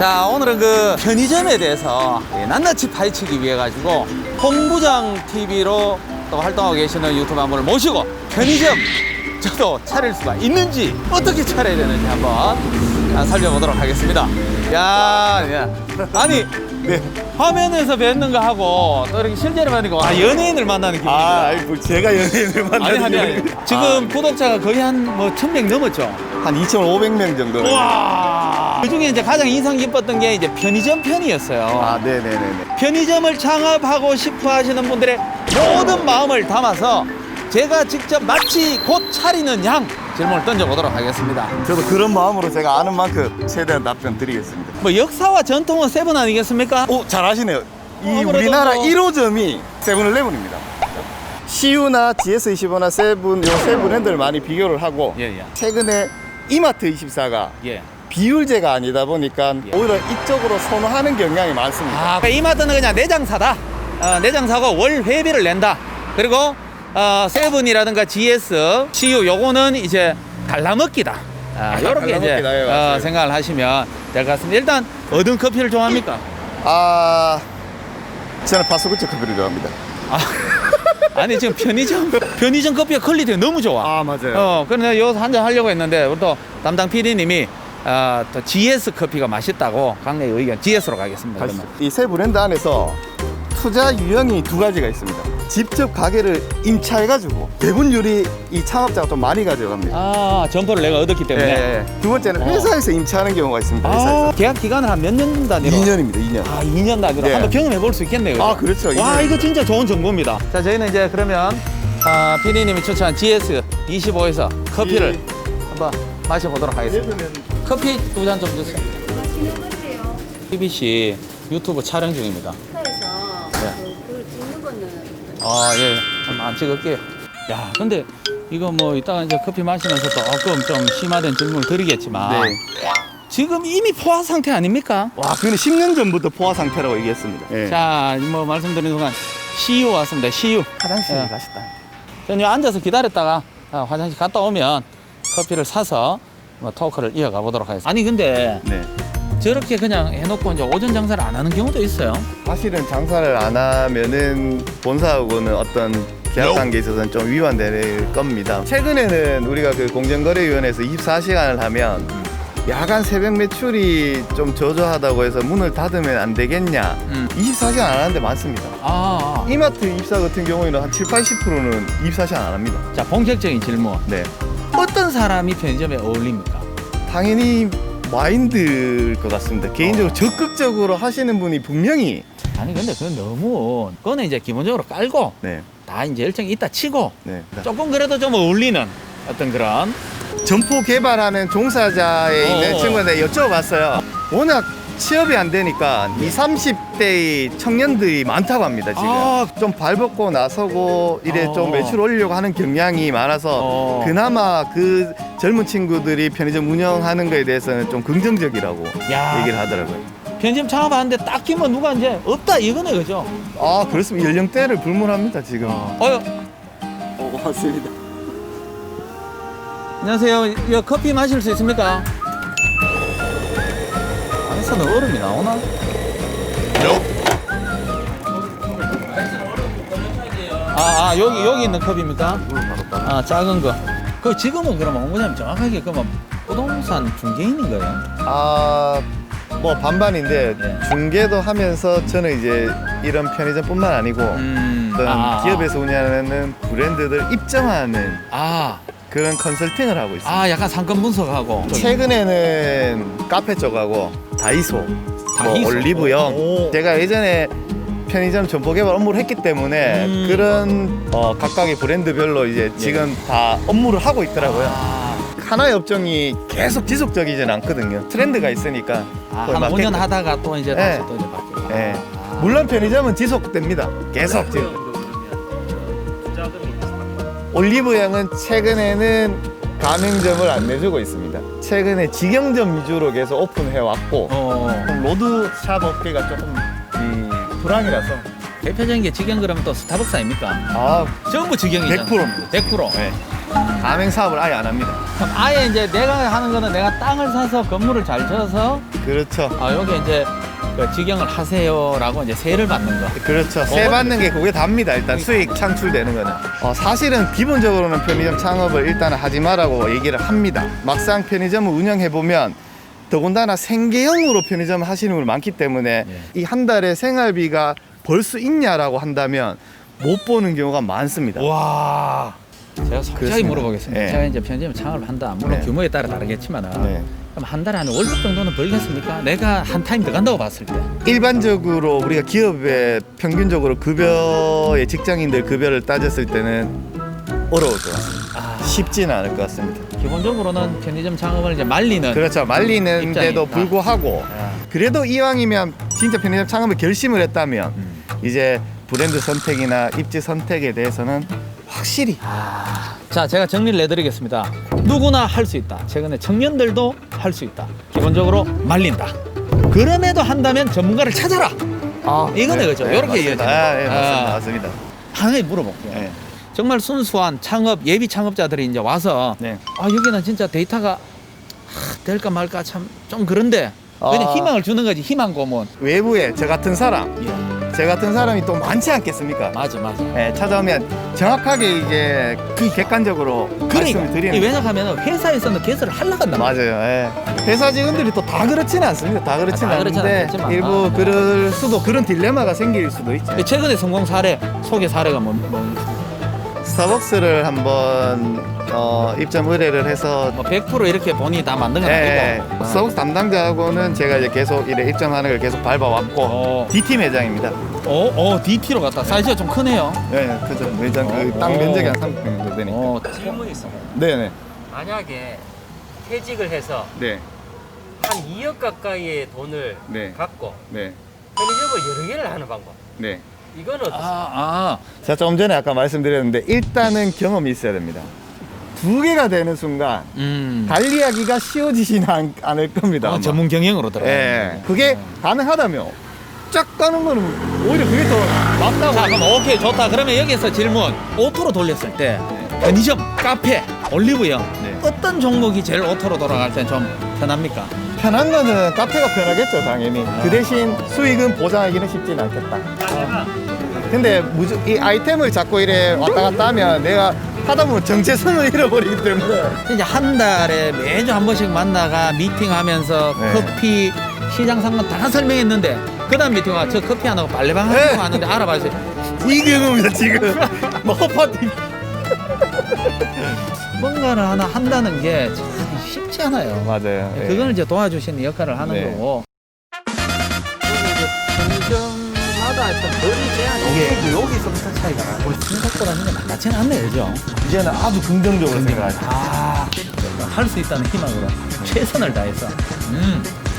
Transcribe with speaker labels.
Speaker 1: 자, 오늘은 그 편의점에 대해서 낱낱이 파헤치기 위해 가지고 홍부장 TV로 또 활동하고 계시는 유튜버 한 분을 모시고 편의점 저도 차릴 수가 있는지 어떻게 차려야 되는지 한번 살펴보도록 하겠습니다. 야, 아니
Speaker 2: 네.
Speaker 1: 화면에서 뵙는 거 하고 또 이렇게 실제로 만나니까 연예인을 만나는 기분입니다.
Speaker 2: 아니 뭐 제가 연예인을 만나는
Speaker 1: 아니. 지금 구독자가 거의 한 뭐 1000명 넘었죠.
Speaker 2: 한 2,500명 정도.
Speaker 1: 와. 그 중에 이제 가장 인상 깊었던 게 이제 편의점 편이었어요.
Speaker 2: 아, 네네네.
Speaker 1: 편의점을 창업하고 싶어 하시는 분들의 모든 마음을 담아서 제가 직접 마치 곧 차리는 양 질문을 던져보도록 하겠습니다.
Speaker 2: 저도 그런 마음으로 제가 아는 만큼 최대한 답변 드리겠습니다.
Speaker 1: 뭐 역사와 전통은 세븐 아니겠습니까?
Speaker 2: 오, 잘하시네요. 이
Speaker 1: 아무래도
Speaker 2: 우리나라
Speaker 1: 뭐-
Speaker 2: 1호점이 세븐일레븐입니다. CU나 GS25나 세븐, 요 세 브랜드를 많이 비교를 하고
Speaker 1: 예.
Speaker 2: 최근에 이마트24가
Speaker 1: 예.
Speaker 2: 비율제가 아니다 보니까 오히려 이쪽으로 선호하는 경향이 많습니다.
Speaker 1: 아, 이마트는 그냥 내장사다. 내장사고 월 회비를 낸다. 그리고 세븐이라든가 GS, CU 요거는 이제 갈라먹기다. 이렇게 이제
Speaker 2: 갈라먹기다. 예, 맞아요.
Speaker 1: 생각을 하시면 될 것 같습니다. 일단 어떤 커피를 좋아합니까?
Speaker 2: 저는 파스쿠치 커피를 좋아합니다.
Speaker 1: 아니 지금 편의점 커피가 퀄리티가 너무 좋아.
Speaker 2: 맞아요.
Speaker 1: 그래서 여기서 한잔 하려고 했는데 우리 또 담당 PD님이 또 GS 커피가 맛있다고 강력히 의견 GS로 가겠습니다. 그러면.
Speaker 2: 이 세 브랜드 안에서 투자 유형이 두 가지가 있습니다. 직접 가게를 임차해가지고 배분율이 이 창업자가 좀 많이 가져갑니다.
Speaker 1: 점포를 내가 얻었기 때문에.
Speaker 2: 두 번째는 회사에서 임차하는 경우가 있습니다. 회사에서.
Speaker 1: 계약 기간을 한 몇 년 단위로?
Speaker 2: 2년입니다. 2년.
Speaker 1: 2년 단위로
Speaker 2: 네.
Speaker 1: 한번 경험해 볼 수 있겠네요.
Speaker 2: 그렇죠.
Speaker 1: 와,
Speaker 2: 2년.
Speaker 1: 이거 진짜 좋은 정보입니다. 자, 저희는 이제 그러면 PD님이 추천한 GS 25에서 커피를 한번 마셔보도록 하겠습니다. 커피 두 잔 좀 주세요. TBC 유튜브 촬영 중입니다.
Speaker 3: 회사에서 그걸 찍는 거는
Speaker 1: 예. 한번 찍을게요. 야, 근데 이거 뭐 이따가 이제 커피 마시면서 조금 좀 심화된 질문을 드리겠지만
Speaker 2: 네.
Speaker 1: 지금 이미 포화 상태 아닙니까?
Speaker 2: 와, 그거는 10년 전부터 포화 상태라고 얘기했습니다. 네.
Speaker 1: 자, 뭐 말씀드리는 동안 CU 왔습니다. CU.
Speaker 2: 화장실에
Speaker 1: 예.
Speaker 2: 가셨다.
Speaker 1: 저는 앉아서 기다렸다가 화장실 갔다 오면 커피를 사서 뭐 토크를 이어가 보도록 하겠습니다. 아니 근데
Speaker 2: 네.
Speaker 1: 저렇게 그냥 해놓고 이제 오전 장사를 안 하는 경우도 있어요.
Speaker 2: 사실은 장사를 안 하면은 본사하고는 어떤 계약 관계에 있어서는 좀 위반될 겁니다. 최근에는 우리가 그 공정거래위원회에서 24시간을 하면 야간 새벽 매출이 좀 저조하다고 해서 문을 닫으면 안 되겠냐. 24시간 안 하는 데 많습니다. 이마트 입사 같은 경우에는 한 7, 80%는 24시간 안 합니다.
Speaker 1: 자, 본격적인 질문.
Speaker 2: 네.
Speaker 1: 어떤 사람이 편의점에 어울립니까?
Speaker 2: 당연히 마인드일 것 같습니다. 개인적으로 적극적으로 하시는 분이 분명히
Speaker 1: 아니 근데 그건 너무 그거는 이제 기본적으로 깔고
Speaker 2: 네.
Speaker 1: 다 이제 일정이 있다 치고
Speaker 2: 네.
Speaker 1: 조금 그래도 좀 어울리는 어떤 그런
Speaker 2: 점포 개발하는 종사자에 있는 친구한테 여쭤봤어요. 워낙 취업이 안 되니까 20, 30대의 청년들이 많다고 합니다, 지금. 좀 발벗고 나서고 이래 좀 매출 올리려고 하는 경향이 많아서 그나마 그 젊은 친구들이 편의점 운영하는 거에 대해서는 좀 긍정적이라고 얘기를 하더라고요.
Speaker 1: 편의점 창업하는데 딱히 뭐 누가 이제 없다 이거네, 그죠?
Speaker 2: 그렇습니다. 연령대를 불문합니다, 지금. 맞습니다.
Speaker 1: 안녕하세요. 이거 커피 마실 수 있습니까? 안에서는 얼음이 나오나? 여기 있는 컵입니까? 작은 거. 그 지금은 그러면 홍보자님 정확하게 그러면 부동산 중개인인 거예요?
Speaker 2: 뭐 반반인데
Speaker 1: 네.
Speaker 2: 중개도 하면서 저는 이제 이런 편의점뿐만 아니고 어떤 기업에서 운영하는 브랜드들 입점하는 그런 컨설팅을 하고 있습니다.
Speaker 1: 약간 상권 분석하고.
Speaker 2: 최근에는 카페 쪽하고 다이소, 뭐
Speaker 1: 다이소?
Speaker 2: 올리브영. 제가 예전에 편의점 점포 개발 업무를 했기 때문에 그런 각각의 브랜드별로 이제 지금 다 업무를 하고 있더라고요. 하나의 업종이 계속 지속적이진 않거든요. 트렌드가 있으니까.
Speaker 1: 한 5년 하다가 또 이제 다시 또 이제 바뀌고.
Speaker 2: 네. 물론 편의점은 지속됩니다. 계속 지금. 올리브영은 최근에는 가맹점을 안 내주고 있습니다. 최근에 직영점 위주로 계속 오픈해 왔고 로드샵 업계가 조금 불황이라서.
Speaker 1: 대표적인 게 직영 그러면 또 스타벅스 아닙니까? 전부 직영이잖아요.
Speaker 2: 100%입니다.
Speaker 1: 100%.
Speaker 2: 네. 가맹 사업을 아예 안 합니다.
Speaker 1: 그럼 아예 이제 내가 하는 거는 내가 땅을 사서 건물을 잘 지어서
Speaker 2: 그렇죠.
Speaker 1: 여기 이제 그 직영을 하세요라고 이제 세를 받는 거.
Speaker 2: 그렇죠. 세 받는 게 그게 답니다. 일단 수익 창출되는 거는. 사실은 기본적으로는 편의점 창업을 일단은 하지 마라고 얘기를 합니다. 막상 편의점을 운영해 보면 더군다나 생계형으로 편의점 하시는 분이 많기 때문에 이 한 달에 생활비가 벌 수 있냐라고 한다면 못 보는 경우가 많습니다.
Speaker 1: 와. 제가 솔직하게
Speaker 2: 그렇습니다.
Speaker 1: 물어보겠습니다.
Speaker 2: 네.
Speaker 1: 제가 이제 편의점 창업을 한다. 물론
Speaker 2: 네.
Speaker 1: 규모에 따라 다르겠지만은
Speaker 2: 네.
Speaker 1: 그럼 한 달에 한 월급 정도는 벌겠습니까? 내가 한 타임 더 간다고 봤을 때.
Speaker 2: 일반적으로 우리가 기업의 평균적으로 급여의 직장인들 급여를 따졌을 때는 어려울 것 같습니다. 쉽지는 않을 것 같습니다.
Speaker 1: 기본적으로는 편의점 창업을 이제 말리는.
Speaker 2: 그렇죠. 말리는데도
Speaker 1: 입장이니까.
Speaker 2: 불구하고 그래도 이왕이면 진짜 편의점 창업을 결심을 했다면 이제 브랜드 선택이나 입지 선택에 대해서는 확실히
Speaker 1: 자, 제가 정리를 내드리겠습니다. 누구나 할 수 있다. 최근에 청년들도 할 수 있다. 기본적으로 말린다. 그럼에도 한다면 전문가를 찾아라. 이거네, 그죠? 이렇게
Speaker 2: 맞습니다.
Speaker 1: 이어집니다.
Speaker 2: 맞습니다. 맞습니다.
Speaker 1: 하나에 물어볼게요.
Speaker 2: 네.
Speaker 1: 정말 순수한 창업, 예비 창업자들이 이제 와서
Speaker 2: 네.
Speaker 1: 여기는 진짜 데이터가 될까 말까 참 좀 그런데 그냥 희망을 주는 거지, 희망 고문.
Speaker 2: 외부에 저 같은 사람, 저 같은 사람이 또 많지 않겠습니까?
Speaker 1: 맞아.
Speaker 2: 예, 찾아오면 정확하게 이제 객관적으로 말씀을 드리는
Speaker 1: 왜냐하면 회사에서는 개설을 하려고 한단 말이야.
Speaker 2: 맞아요. 예. 회사 직원들이 또 다 그렇지는 않습니다. 다 그렇지는
Speaker 1: 다 그렇진
Speaker 2: 않은데
Speaker 1: 않겠지만.
Speaker 2: 일부 그럴 수도 그런 딜레마가 생길 수도 있죠.
Speaker 1: 최근에 성공 사례, 소개 사례가 뭐
Speaker 2: 스타벅스를 한번 입점 의뢰를 해서
Speaker 1: 100% 이렇게 본인이 다 만든 건
Speaker 2: 예,
Speaker 1: 아니고.
Speaker 2: 스타벅스 담당자하고는 제가 이제 계속 이래 입점하는 걸 계속 밟아왔고 D팀 매장입니다.
Speaker 1: DT로 갔다. 사이즈가 좀 크네요.
Speaker 2: 네, 그죠. 매장 그 땅 면적이 한 30평 정도 되니까.
Speaker 4: 질문이 있습니다.
Speaker 2: 네네.
Speaker 4: 만약에 퇴직을 해서
Speaker 2: 네.
Speaker 4: 한 2억 가까이의 돈을
Speaker 2: 네.
Speaker 4: 갖고
Speaker 2: 네.
Speaker 4: 편의점을 여러 개를 하는 방법.
Speaker 2: 네.
Speaker 4: 이건 어떻습니까?
Speaker 2: 제가 조금 전에 아까 말씀드렸는데 일단은 경험이 있어야 됩니다. 두 개가 되는 순간 관리하기가 쉬워지지는 않을 겁니다. 아마.
Speaker 1: 전문 경영으로 들어가.
Speaker 2: 예. 그게 가능하다면 쫙 가는 거는 오히려 그게 더 낫다고.
Speaker 1: 자, 그럼 오케이, 좋다. 그러면 여기서 질문. 오토로 돌렸을 때 편의점, 카페, 올리브영
Speaker 2: 네.
Speaker 1: 어떤 종목이 제일 오토로 돌아갈 때 좀 편합니까?
Speaker 2: 편한 거는 카페가 편하겠죠, 당연히. 그 대신 수익은 보장하기는 쉽지는 않겠다. 근데 이 아이템을 자꾸 이래 왔다 갔다 하면 내가 하다 보면 정체성을 잃어버리기 때문에.
Speaker 1: 이제 한 달에 매주 한 번씩 만나가 미팅하면서
Speaker 2: 네.
Speaker 1: 커피 시장 상권 다 설명했는데 그다음 미팅 와 저 커피 안 하고 빨래방
Speaker 2: 네.
Speaker 1: 하는 거 하는데 알아봐주세요.
Speaker 2: 이 경우입니다, 지금. 뭐 허파티.
Speaker 1: 뭔가를 하나 한다는 게 참 쉽지 않아요.
Speaker 2: 맞아요. 예.
Speaker 1: 그걸 이제 도와주시는 역할을 하는
Speaker 2: 네.
Speaker 1: 거고. 편의점마다 어떤 거리 제한이 여기서부터 차이가 나고 생각보다 그냥 만만치는 않네요, 그죠?
Speaker 2: 이제는 아주 긍정적으로 생각하죠.
Speaker 1: 할 수 있다는 희망으로 최선을 다해서